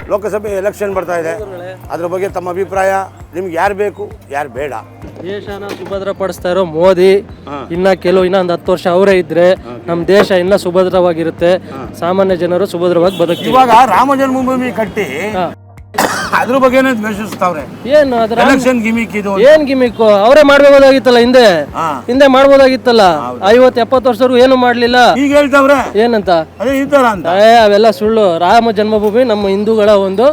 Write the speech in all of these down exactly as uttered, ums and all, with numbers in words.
ಲೋಕಸಭೆ election ಬರ್ತಾ ಇದೆ, ಅದ್ರ ಬಗ್ಗೆ ತಮ್ಮ ಅಭಿಪ್ರಾಯ, ನಿಮ್ಗೆ ಯಾರು ಬೇಕು ಯಾರು ಬೇಡ? ದೇಶನ ಸುಭದ್ರ ಪಡಿಸ್ತಾ ಇರೋ ಮೋದಿ ಇನ್ನ ಕೆಲವು ಇನ್ನ ಒಂದು ಹತ್ತು ವರ್ಷ ಅವರೇ ಇದ್ರೆ ನಮ್ಮ ದೇಶ ಇನ್ನ ಸುಭದ್ರವಾಗಿರುತ್ತೆ, ಸಾಮಾನ್ಯ ಜನರು ಸುಭದ್ರವಾಗಿ ಬದುಕ್ತೀವಿ. ಇವಾಗ ರಾಮ ಜನ್ಮಭೂಮಿ ಕಟ್ಟಿ ಅದ್ರ ಬಗ್ಗೆ ದ್ವೇಷಿಸ್ತಾವ್ರೆ. ಏನು ಅದ್ರ ಎಲೆಕ್ಷನ್ ಗಿಮಿಕ್ ಇದು? ಏನ್ ಗಿಮಿಕ್? ಅವರೇ ಮಾಡ್ಬೋದಾಗಿತ್ತಲ್ಲ, ಹಿಂದೆ ಹಿಂದೆ ಮಾಡ್ಬೋದಾಗಿತ್ತಲ್ಲ. ಐವತ್ ಎಪ್ಪತ್ತು ವರ್ಷದವರೆಗೂ ಏನು ಮಾಡ್ಲಿಲ್ಲ. ಈಗ ಹೇಳ್ತಾವ್ರೆ ಏನಂತ? ಅದೇ ಈ ತರ ಅಂತ. ಏ ಅವೆಲ್ಲ ಸುಳ್ಳು. ರಾಮ ಜನ್ಮಭೂಮಿ ನಮ್ಮ ಹಿಂದೂಗಳ ಒಂದು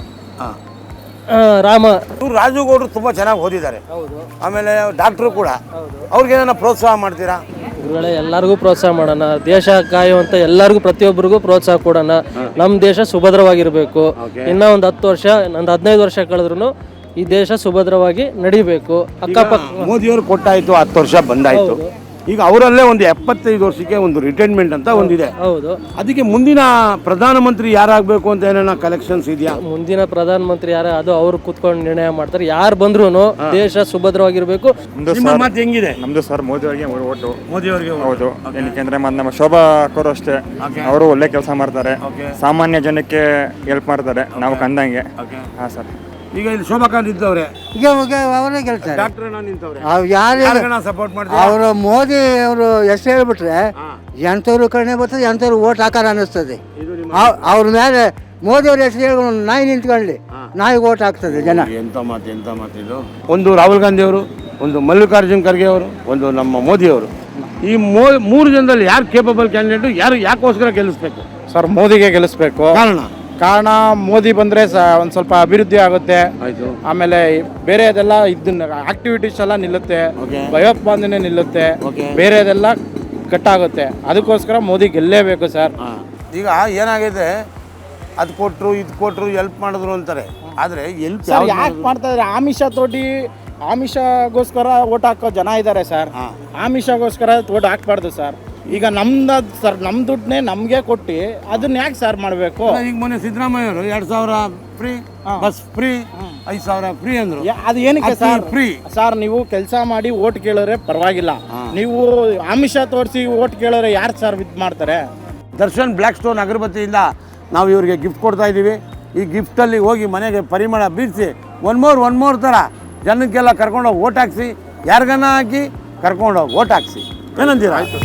ರಾಮ. ರಾಜುಗೌಡರು ತುಂಬಾ ಚೆನ್ನಾಗಿ ಓದಿದ್ದಾರೆ, ಆಮೇಲೆ ಡಾಕ್ಟ್ರು ಕೂಡ. ಅವ್ರಿಗೆ ಏನಾರ ಪ್ರೋತ್ಸಾಹ ಮಾಡ್ತೀರಾ? ಗುರುಗಳೇ, ಎಲ್ಲರಿಗೂ ಪ್ರೋತ್ಸಾಹ ಮಾಡೋಣ, ದೇಶ ಕಾಯುವಂತ ಎಲ್ಲರಿಗೂ ಪ್ರತಿಯೊಬ್ಬರಿಗೂ ಪ್ರೋತ್ಸಾಹ ಕೊಡೋಣ. ನಮ್ಮ ದೇಶ ಸುಭದ್ರವಾಗಿರ್ಬೇಕು. ಇನ್ನ ಒಂದು ಹತ್ತು ವರ್ಷ ಒಂದು ಹದಿನೈದು ವರ್ಷ ಕಳೆದ್ರು ಈ ದೇಶ ಸುಭದ್ರವಾಗಿ ನಡಿಬೇಕು. ಅಕ್ಕಪಕ್ಕ ಮೋದಿಯವರು ಕೊಟ್ಟಾಯ್ತು, ಹತ್ತು ವರ್ಷ ಬಂದಾಯ್ತು. ಈಗ ಅವರಲ್ಲೇ ಒಂದು ಎಪ್ಪತ್ತೈದು ವರ್ಷಕ್ಕೆ ಒಂದು ರಿಟೈರ್ಮೆಂಟ್ ಅಂತ ಒಂದಿದೆ. ಹೌದು. ಅದಕ್ಕೆ ಮುಂದಿನ ಪ್ರಧಾನಮಂತ್ರಿ ಯಾರಾಗಬೇಕು ಅಂತ ಏನೇನ ಕಲೆಕ್ಷನ್ಸ್ ಇದೆಯಾ? ಮುಂದಿನ ಪ್ರಧಾನಮಂತ್ರಿ ಯಾರ ಅದು ಅವ್ರು ಕುತ್ಕೊಂಡು ನಿರ್ಣಯ ಮಾಡ್ತಾರೆ. ಯಾರು ಬಂದ್ರು ದೇಶ ಸುಭದ್ರವಾಗಿರ್ಬೇಕು. ನಿಮ್ಮ ಮಾತು ಹೆಂಗಿದೆ? ನಮ್ದು ಸರ್ ಮೋದಿ ಅವರಿಗೆ ಓಟು. ಮೋದಿ ಅವರಿಗೆ? ಹೌದು. ಏನಕ್ಕೆ ಮತ್ತೆ ನಮ್ಮ ಶೋಭಾ ಅವರು ಅಷ್ಟೇ, ಅವರು ಒಳ್ಳೆ ಕೆಲಸ ಮಾಡ್ತಾರೆ, ಸಾಮಾನ್ಯ ಜನಕ್ಕೆ ಹೆಲ್ಪ್ ಮಾಡ್ತಾರೆ ನಾವು ಕಂಡಂಗೆ. ಹಾ ಸರ್. ಈಗ ಇಲ್ಲಿ ಶೋಭಾ ನಿಂತವ್ರೆ, ಈಗ ಅವರೇ ಗೆಲ್ತಾರೆ. ಡಾಕ್ಟರ್ ನಿಂತವ್ರೆ. ಯಾರು ಸಪೋರ್ಟ್ ಮಾಡ್ತಾರೆ? ಅವರು ಮೋದಿ ಅವರು ಎಷ್ಟು ಹೇಳ್ಬಿಟ್ರೆ ಎಂಥವ್ರು ಕಡಿಮೆ ಬರ್ತದೆ, ಎಂಥವ್ರು ಓಟ್ ಹಾಕಾರ ಅನ್ನಿಸ್ತದೆ. ಅವ್ರ ಮೇಲೆ ಮೋದಿ ಅವ್ರ ಹೆಸರು ಹೇಳಿ ನಾಯಿ ನಿಂತ್ಕೊಳ್ಳಿ, ನಾಯಿ ಓಟ್ ಹಾಕ್ತದೆ ಜನ. ಎಂತ ಮಾತು ಎಂತ ಮಾತು ಇದು. ಒಂದು ರಾಹುಲ್ ಗಾಂಧಿ ಅವರು, ಒಂದು ಮಲ್ಲಿಕಾರ್ಜುನ್ ಖರ್ಗೆ ಅವರು, ಒಂದು ನಮ್ಮ ಮೋದಿ ಅವರು. ಈ ಮೋ ಮೂರು ಜನದಲ್ಲಿ ಯಾರು ಕೇಪಬಲ್ ಕ್ಯಾಂಡಿಡೇಟ್, ಯಾರು ಯಾಕೋಸ್ಕರ ಗೆಲ್ಲಿಸ್ಬೇಕು? ಸರ್ ಮೋದಿಗೆ ಗೆಲ್ಲಿಸ್ಬೇಕು. ಕಾರಣ ಕಾರಣ ಮೋದಿ ಬಂದರೆ ಸ ಒಂದು ಸ್ವಲ್ಪ ಅಭಿವೃದ್ಧಿ ಆಗುತ್ತೆ. ಆಮೇಲೆ ಬೇರೆದೆಲ್ಲ ಇದನ್ನ ಆಕ್ಟಿವಿಟೀಸ್ ಎಲ್ಲ ನಿಲ್ಲುತ್ತೆ, ಭಯೋತ್ಪಾದನೆ ನಿಲ್ಲುತ್ತೆ, ಬೇರೆದೆಲ್ಲ ಕಟ್ಟಾಗುತ್ತೆ. ಅದಕ್ಕೋಸ್ಕರ ಮೋದಿ ಗೆಲ್ಲೇಬೇಕು ಸರ್. ಈಗ ಏನಾಗಿದೆ, ಅದು ಕೊಟ್ಟರು ಇದು ಕೊಟ್ಟರು ಹೆಲ್ಪ್ ಮಾಡಿದ್ರು ಅಂತಾರೆ, ಆದರೆ ಎಲ್ಪ್ ಯಾಕೆ ಮಾಡ್ತಾ ಇದ್ದಾರೆ? ಆಮಿಷ ತೋಟಿ ಆಮಿಷಗೋಸ್ಕರ ಓಟ್ ಹಾಕೋ ಜನ ಇದ್ದಾರೆ ಸರ್. ಆಮಿಷಗೋಸ್ಕರ ಓಟ್ ಹಾಕ್ಬಾರ್ದು ಸರ್. ಈಗ ನಮ್ದು ಸರ್, ನಮ್ಮ ದುಡ್ಡನ್ನೇ ನಮಗೆ ಕೊಟ್ಟು ಅದನ್ನ ಯಾಕೆ ಸರ್ ಮಾಡಬೇಕು? ಈಗ ಮೊನ್ನೆ ಸಿದ್ದರಾಮಯ್ಯ ಅವರು ಎರಡು ಸಾವಿರ ಫ್ರೀ ಬಸ್ ಫ್ರೀ, ಐದು ಸಾವಿರ ಫ್ರೀ ಅಂದ್ರು. ಅದು ಏನಕ್ಕೆ ಸರ್ ಫ್ರೀ? ಸರ್ ನೀವು ಕೆಲಸ ಮಾಡಿ ಓಟ್ ಕೇಳೋರೆ ಪರವಾಗಿಲ್ಲ, ನೀವು ಆಮಿಷ ತೋರಿಸಿ ಓಟ್ ಕೇಳೋರೆ ಯಾರು ಸರ್ ಇದು ಮಾಡ್ತಾರೆ? ದರ್ಶನ್ ಬ್ಲ್ಯಾಕ್ ಸ್ಟೋನ್ ಅಗರಬತ್ತಿಯಿಂದ ನಾವು ಇವ್ರಿಗೆ ಗಿಫ್ಟ್ ಕೊಡ್ತಾ ಇದ್ದೀವಿ. ಈ ಗಿಫ್ಟಲ್ಲಿ ಹೋಗಿ ಮನೆಗೆ ಪರಿಮಳ ಬೀರಿಸಿ ಒನ್ ಮೋರ್ ಒನ್ ಮೋರ್ ಥರ ಜನಕ್ಕೆಲ್ಲ ಕರ್ಕೊಂಡೋಗಿ ಓಟ್ ಹಾಕ್ಸಿ, ಯಾರಿಗನ್ನ ಹಾಕಿ ಕರ್ಕೊಂಡೋಗಿ ಓಟ್ ಹಾಕ್ಸಿ. ಏನಂತೀರಾ? ಆಯ್ತು.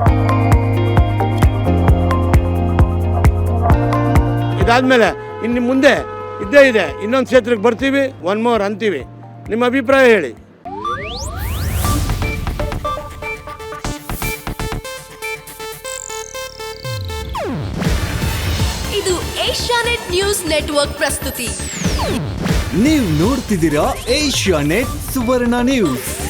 ಇದಾದ್ಮೇಲೆ ಇನ್ನು ಮುಂದೆ ಇದ್ದೇ ಇದೆ, ಇನ್ನೊಂದು ಕ್ಷೇತ್ರಕ್ಕೆ ಬರ್ತೀವಿ, ಒನ್ ಮೋರ್ ಅಂತೀವಿ. ನಿಮ್ಮ ಅಭಿಪ್ರಾಯ ಹೇಳಿ. ಇದು ಏಷ್ಯಾನೆಟ್ ನ್ಯೂಸ್ ನೆಟ್ವರ್ಕ್ ಪ್ರಸ್ತುತಿ. ನೀವು ನೋಡ್ತಿದ್ದೀರಾ ಏಷ್ಯಾನೆಟ್ ಸುವರ್ಣ ನ್ಯೂಸ್.